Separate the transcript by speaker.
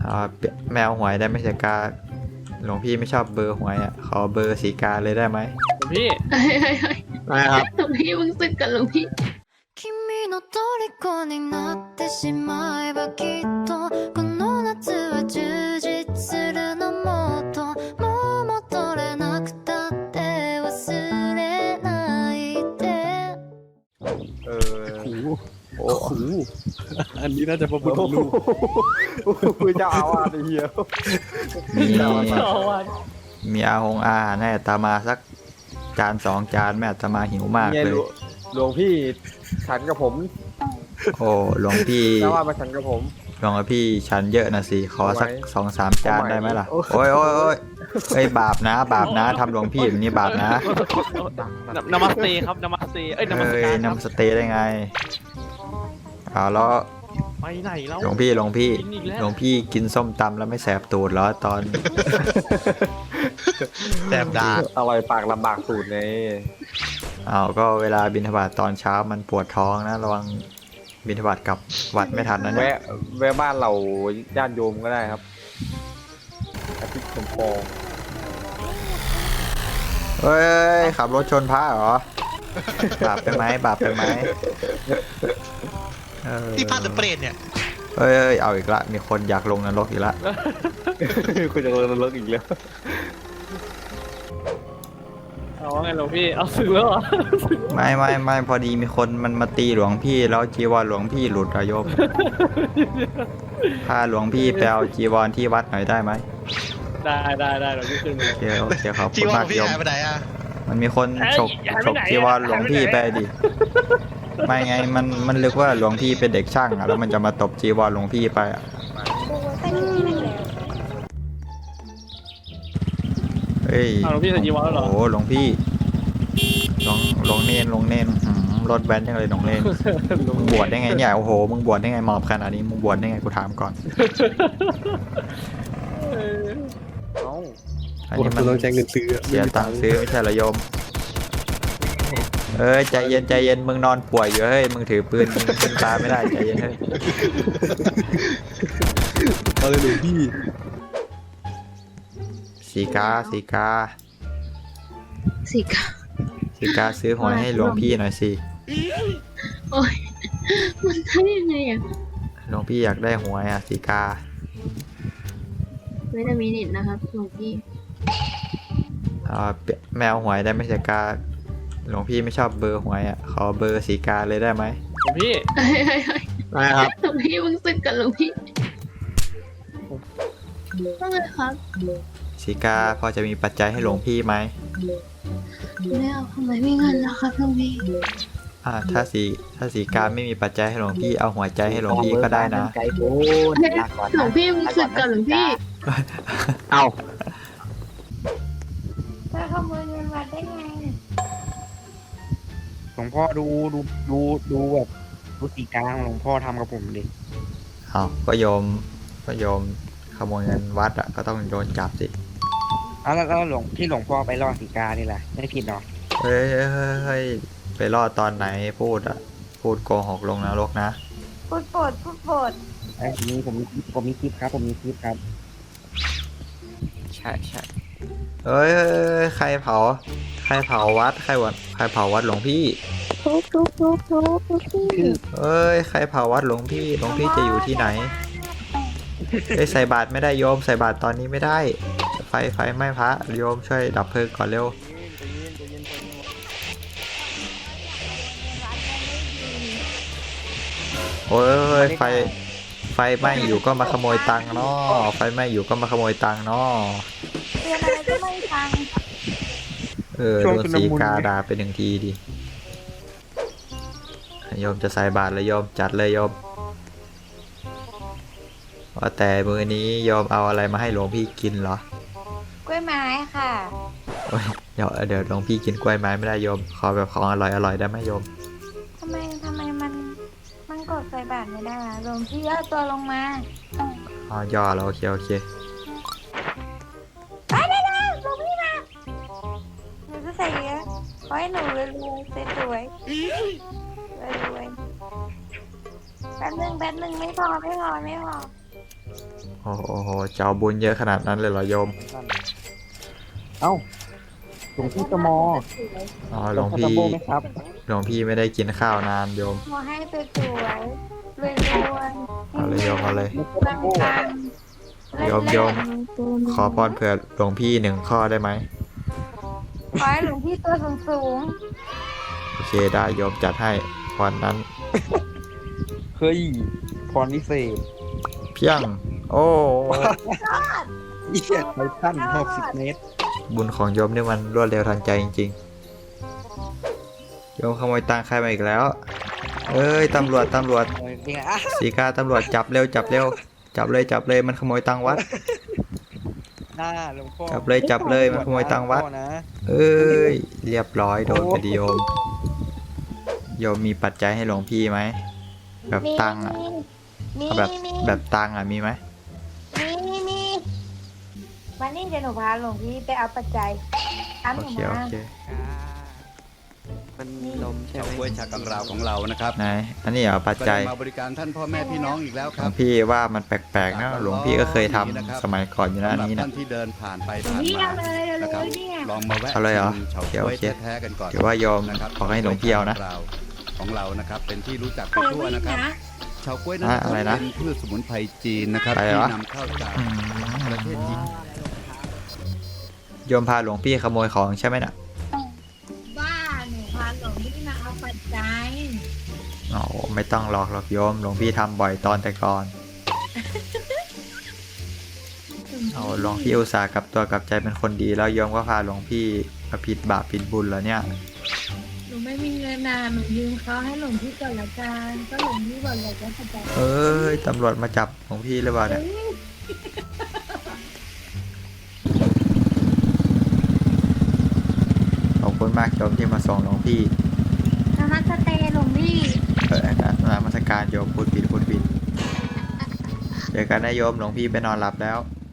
Speaker 1: แมวหวยได้ไหมสีกาหลวงพี่ไม่ชอบเบอร์หวยอ่ะขอเบอร์สีกาเลยได้ไหม
Speaker 2: หลวงพี่
Speaker 3: เฮ้ย
Speaker 1: ได้ครับ
Speaker 3: หลวงพี่มึงสึกกันหลวงพี่
Speaker 4: 君の虜になってしまえばきっとこの夏は充実するのもっともう戻れなくたって忘れないで
Speaker 1: โอ้โห
Speaker 2: อันนี้น่าจะพระพุทธรูป
Speaker 1: คือเจ้าอาวาสเหี้ยมี มีอาหงอาหารให้อาตมาสักจานสองจานแม่อาตมาหิวมากเลย
Speaker 5: หลวงพี่ฉันกับผม
Speaker 1: โอ้หลวงพี่
Speaker 5: แล้วว่ามาฉันกับผม
Speaker 1: หลวงพี่ฉันเยอะนะสิขอสัก
Speaker 5: ทำไม
Speaker 1: 2-3 จานได้ไหมล่ะโอ้ยโอ้ยโอ้ยเอ้ยบาปนะบาปนะทำหลวงพี่แบบนี้บาปนะ
Speaker 2: นมัสเตครับนมัสเตเอ้ยนมัส
Speaker 1: เอ้ย
Speaker 2: การครับ
Speaker 1: นำสเตย์ได้ไงเอาแล้ว
Speaker 2: ไปไหนแล้ว
Speaker 1: หลวงพี่หลวงพี่
Speaker 2: กินอีกแล้ว
Speaker 1: หลวงพี่กินส้มตำแล้วไม่แสบตูดเหรอตอน
Speaker 6: แสบดา
Speaker 5: อร่อยปากลำบากสูตรไง
Speaker 1: เอาก็เวลาบิณฑบาตตอนเช้ามันปวดท้องนะระวังบิณฑบาตกลับวัดไม่ทันนะเนี่ย
Speaker 5: แวะบ้านเราญาติโยมก็ได้ครับอาทิตย์สมปอง
Speaker 1: เฮ้ยขับรถชนพระเหรอบาปไปไหมบาปไปไหมเออ
Speaker 6: ที่พลาดหรือเปรตเนี่ย
Speaker 1: เอ้ยเอาอีกละมีคนอยากลงนรกอีกละ
Speaker 5: คุณจะเลิกอีกแล้ว
Speaker 2: เอาว่าไงหลวงพี่เอาสึกแล้วเหรอ
Speaker 1: ไม่พอดีมีคนมันมาตีหลวงพี่แล้วจีวรหลวงพี่หลุดอะโยมพาหลวงพี่ไปเอาจีวรที่วัดหน่อยได้ไหม
Speaker 2: ได้หลวงพี่ขึ้นมา
Speaker 1: โอเคขอบ
Speaker 6: ที่
Speaker 1: คุณ
Speaker 6: ว่า
Speaker 1: าก
Speaker 6: มพี่
Speaker 1: โยม
Speaker 6: หายไปไหนอ่ะ
Speaker 1: มันมีคนฉก
Speaker 2: หายไปไหน
Speaker 1: จีวรหลวงพี่ไปดิไม่ไงมันนึกว่าหลวงพี่เป็นเด็กช่างอะแล้วมันจะมาตบจีวรหลวงพี่ไปอะเฮ้ย
Speaker 2: เอาหลวงพี่ใส่จีวรแล้วเหรอ
Speaker 1: โอ้โหหลวงพี่หลวงเนนรถแว้นยังเลยหลวงเนนมึงบวชได้ไงเนี่ยโอ้โหมึงบวชได้ไงหมอบขนาดนี้มึงบวชได้ไงกูถามก่อน
Speaker 5: เอ้า
Speaker 1: อันนี้มันต้องใช้เงินซื้อเสียตังค์ซื้อไม่ใช่เหรอโยมเอ้ยใจเย็นมึงนอนป่วยอยู่เฮ้ยมึงถือปืนมึงขึ้นตาไม่ได้ใจเย็นเฮ้ย
Speaker 6: เอาเลยหลวงพี่
Speaker 1: สีกา
Speaker 3: สิกา
Speaker 1: สีกาซื้อหวยให้หลวงพี่หน่อยสิ
Speaker 3: โอ้ยมันทำยังไงอ่ะ
Speaker 1: หลวงพี่อยากได้หวยอ่ะสีกา
Speaker 3: ไม่ได้มีเน็ตนะครับหลวงพี่
Speaker 1: แมวหวยได้ไหมสีกาหลวงพี่ไม่ชอบเบอร์หวยอ่ะขอเบอร์สีกาเลยได้ไหม
Speaker 2: หลวงพี่
Speaker 3: เฮ้ย
Speaker 1: ได้ครับ
Speaker 3: หลวงพี่มึงสึกกันหลวงพี่ว่าไงครับ
Speaker 1: สีกาพอจะมีปัจจัยให้หลวงพี่ไหม
Speaker 3: ไม่เอาทำไมไม่เงินแล้วครับหลวงพี่
Speaker 1: ถ้าสีกาไม่มีปัจจัยให้หลวงพี่เอาหัวใจให้หลวงพี่ก็ได้นะ
Speaker 7: ไกลโพดลาก่อน
Speaker 3: หลวงพี่มึงสึกกันหลวงพี่
Speaker 1: เอา
Speaker 4: จะขโมยเงินวัดได้ไง
Speaker 7: หลวงพ่อดูแบบดูสีกลางหลวงพ่อทำกับผมดิ
Speaker 1: เอาก็โยมขโมยเงินวัดอ่ะก็ต้องโดนจับสิ
Speaker 7: แล้วหลวงพ่อไปล่อสีกานี่แหละไม่ผิดเนาะ
Speaker 1: เฮ้ยไปรอดตอนไหนพูดโกหกลงนรกนะ
Speaker 4: พูดโปรด
Speaker 7: ไอ้นี้ผมมีคลิปครับ
Speaker 1: ใช่เอ้ยใครเผาวัดใครเผาวัดหลวงพี่
Speaker 4: ทุบพี่
Speaker 1: เอ้ยใครเผาวัดหลวงพี่จะอยู่ที่ไหนเอ้ยใส่บาตรไม่ได้โยมใส่บาตรตอนนี้ไม่ได้ไฟไหม้พระโยมช่วยดับเพลิงก่อนเร็วโอ้ยไฟไหม้อยู่ก็มาขโมยตังค์เนาะไฟไหม้อยู่ก็มาขโมยตังค์เนาะ
Speaker 4: เรียนอะไรก็ไม่ฟัง
Speaker 1: โดนสีกาด่าไปหนึ่งทีดิโยมจะใส่บาตรเลยโยมจัดเลยโยมว่าแต่มื้อนี้โยมเอาอะไรมาให้หลวงพี่กินเหรอก
Speaker 4: ล้วยไม้ค่ะ
Speaker 1: โอ้ยเดี๋ยวหลวงพี่กินกล้วยไม้ไม่ได้โยมขอแบบของอร่อยได้ไหมโยม
Speaker 4: ทำไมมันกดใส่บาทไม่ได้หลวงพี่เอาตัวลงมา
Speaker 1: ย่อแล้วโอเค
Speaker 4: ไปได้แล้วหลวงพี่มาหนูจะใส่เยอะขอให้หนูรวยๆสวยๆรวยๆแป๊บนึงไม่พอ
Speaker 1: โอ้โหจะเอาบุญเยอะขนาดนั้นเลยเหรอโยม
Speaker 7: เอ้าหลวงพี่ตมอ
Speaker 1: อ๋อหลวง
Speaker 7: ต
Speaker 1: พี่
Speaker 7: โบไหมครับ
Speaker 1: หลวงพี่ไม่ได้กินข้าวนานโยม
Speaker 3: ขอให้สวยๆรวย
Speaker 1: เอาเลยโยมเอาเลย
Speaker 3: ๆปังๆ
Speaker 1: โยม ขอพรเผื่อหลวงพี่1 ข้อได้ไหม
Speaker 3: ขอให้หลวงพี่ตัวสูง
Speaker 1: โอเคได้โยมจัดให้พรนั้น
Speaker 7: เฮ้ยพรวิเศษ
Speaker 1: เพียง โอ้
Speaker 7: ไททัน60 เมตร
Speaker 1: บุญของโยมนี่มันรวดเร็วทันใจจริงๆ โยมขโมยตังค์ใครมาอีกแล้ว เอ้ยตำรวจ
Speaker 7: จริงอ่ะ
Speaker 1: สีกาตำรวจจับเร็วจับเลยมันขโมยตังค์วัด
Speaker 7: หน้าหลวงพ่อ
Speaker 1: จับเลยมันขโมยตังค์วัด
Speaker 7: หลพ่อนะ
Speaker 1: เอ้ยเรียบร้อยโดนไปดิโยม โยมมีปัจจัยให้หลวงพี่ไหม แบบ
Speaker 3: ๆ
Speaker 1: ตังค์อ่ะ
Speaker 3: มี
Speaker 1: เอาแบบตังค์อ่ะมีไหม
Speaker 3: มีวันนี้เดี๋ยวหนูพาหลวงพี่ไปเอาปัจจัยอ้ำห
Speaker 1: โอ
Speaker 3: นู
Speaker 1: เค
Speaker 3: มา
Speaker 1: โอเค
Speaker 8: มันลมใช่
Speaker 6: เฉา
Speaker 8: ไหม
Speaker 6: ก๊วยชากังราวของเรานะครับ
Speaker 1: ไหนอันนี้เหรอปัจ
Speaker 6: ก็
Speaker 1: จั
Speaker 6: ได้
Speaker 1: ย
Speaker 6: มาบริการท่านพ่อแม่พี่น้องอีกแล้ว
Speaker 1: ห
Speaker 6: ค
Speaker 1: ล
Speaker 6: รั
Speaker 1: ว
Speaker 6: บ
Speaker 1: งพี่ว่ามันแปลกๆนะหลวงพี่ก็เคยทำสมัยก่อนอยู่นะอัน
Speaker 6: สำหรับ
Speaker 1: นี้นะ
Speaker 6: ท่านที่เดินผ่านไปผ่าน
Speaker 3: นี่
Speaker 6: มา
Speaker 3: เอาเลยเอา
Speaker 6: นะครับ
Speaker 3: เลยเนี่ย
Speaker 6: ลองมาแวะ
Speaker 1: เอาเลยเหรอ
Speaker 6: ชิมเฉา
Speaker 1: โอเค
Speaker 6: ก๊วย
Speaker 1: โอเค
Speaker 6: แท้ๆกันก่อน
Speaker 1: เดี๋ยวว่าโยม
Speaker 6: นะครับ
Speaker 1: บอกให้หลวงพี่เอานะ
Speaker 6: ของเรานะครับเป็นที่รู้จักไป
Speaker 3: เปิด
Speaker 6: ทั่ว
Speaker 3: วิ่ง
Speaker 6: นะครับ
Speaker 3: นะ
Speaker 6: เฉาก๊วยนั้น
Speaker 1: อะไรนะ
Speaker 6: เป็นพืชสมุนไพรจีนนะครับ
Speaker 1: อะไร
Speaker 6: ที่
Speaker 1: วะ
Speaker 6: นำเข้าจาก
Speaker 1: อื
Speaker 6: ประเทศจีน
Speaker 1: โยมพาหลวงพี่ขโมยของใช่ไหมน่ะ
Speaker 3: บ้าหนูพาหลวงพี่มาเอาปัจจัย
Speaker 1: อ๋อไม่ต้องหลอกโยมหลวงพี่ทำบ่อยตอนแต่ก่อนเอาหลวงพี่อุตส่าห์กลับตัวกลับใจเป็นคนดีแล้วโยมก็พาหลวงพี่มาผิดบาปผิดบุญแล้วเนี่ย
Speaker 3: หนูไม่มีเงินนะหนูยืมเขาให้หลวงพี่ก่อนละกันก็หลวงพี่บอกอยากได้ปัจจัย
Speaker 1: เอ้ยตำรวจมาจับหลวงพี่หรือเปล่าเนี่ยขอบคุณมากโยมที่มาส่งหลวงพี่
Speaker 3: นมัสเตหลวงพี่
Speaker 1: นมัสการโยมพูดผิดเจอกันนะโยมหลวงพี่ไปนอนหลับแล้ว